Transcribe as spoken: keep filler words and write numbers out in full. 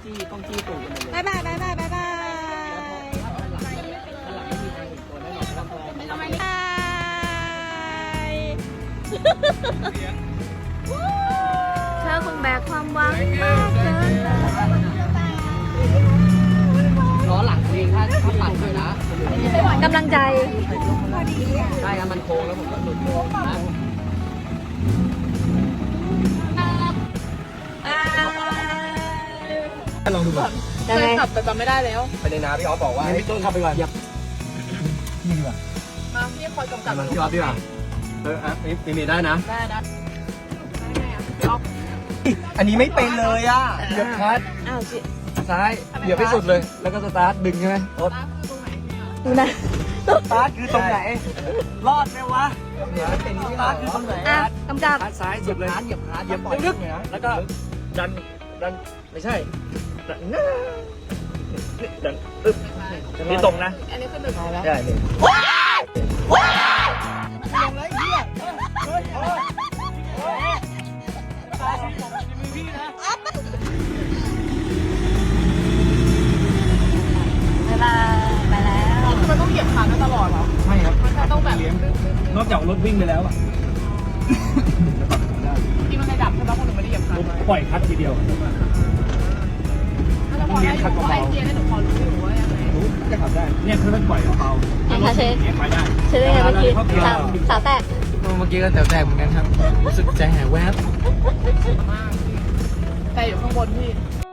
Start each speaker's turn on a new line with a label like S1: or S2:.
S1: จี้ต้องจี้ตูดกันเลย
S2: บายบายบายบายบายบาย
S1: ถ้าหลังไม่มีใครเห็นตัวแน่นอนว่าตัวมัน
S2: บายเธอคงแบกความหวังมากเกิน
S1: ล้อหลังเองถ้าถ้าปัดเลยนะ
S2: กำลังใจ
S1: ใช่ครับมันโค้งแล้วผมก็หลุดนะ ลองดูก่อน
S2: ยังไง
S3: ขับแต่จำไม่ได้แล้ว
S1: ไปในน้ำพี่ออฟบอกว่าพี่ต้นขับไปก่อนนี่ดีกว่า
S3: มาพี่คอยกำกับ
S1: มันพี่ออฟดีกว่าเอออ่ะมีมีได้นะ
S3: ได้นะได้ไงอ่ะพี่ออฟ
S1: อันนี้ไม่เป็นเลยอ่ะเหยียบคลัตช์
S2: อ้าวจิ
S1: ซ้ายเหยียบให้สุดเลย แล้วก็สตาร์ทดึงใช่ไหมรถ
S3: ร้านคือตรงไหนเนี่ย
S2: ดูนะ
S1: สตาร์ทคือตรงไหน รอดไหมวะเนี่ยเป็นสตาร์ทคือตรงไหน
S2: อ่ะกำกับ
S1: คลัตช์ซ้ายสุดเลยเหยียบคลัตช์เหยียบลึกๆแล้วก็ดันดันไม่ใช่ดันดันอึ๊บนี่ตรงนะ
S3: อันนี้คือหนึ่งแล้ว
S1: ใช่เลย
S2: บายบายไปแล้ว
S3: คือมันต้องเหยียบคาร์ดตลอดเหรอ
S1: ใช่ครับ
S3: มันจะต้องแบบ
S1: นอกจากรถวิ่งไปแล้วอ่ะ
S3: ที่มันไม่ดับใช่ไหมคนหนึ่งไม่ได้เหยียบคาร์ดไว้
S1: ปล่อยคัดทีเดียว
S3: แล้วพอได้อยู่เพราะไอเทียนี่หนูพอรู้อยู่ว่ายังไง
S1: รู้จะขับได้ เนี่ยคือมันปล่อยเบา
S2: เห็นคะเชฟ
S1: ไปได้
S2: เชฟได้ไงเมื่อกี้สาวสาวแตก
S1: เมื่อกี้ก็แตวแตกเหมือนกันครับ รู้สึกใจหายแวบ
S3: มากแต่อยู่ข้างบนพี่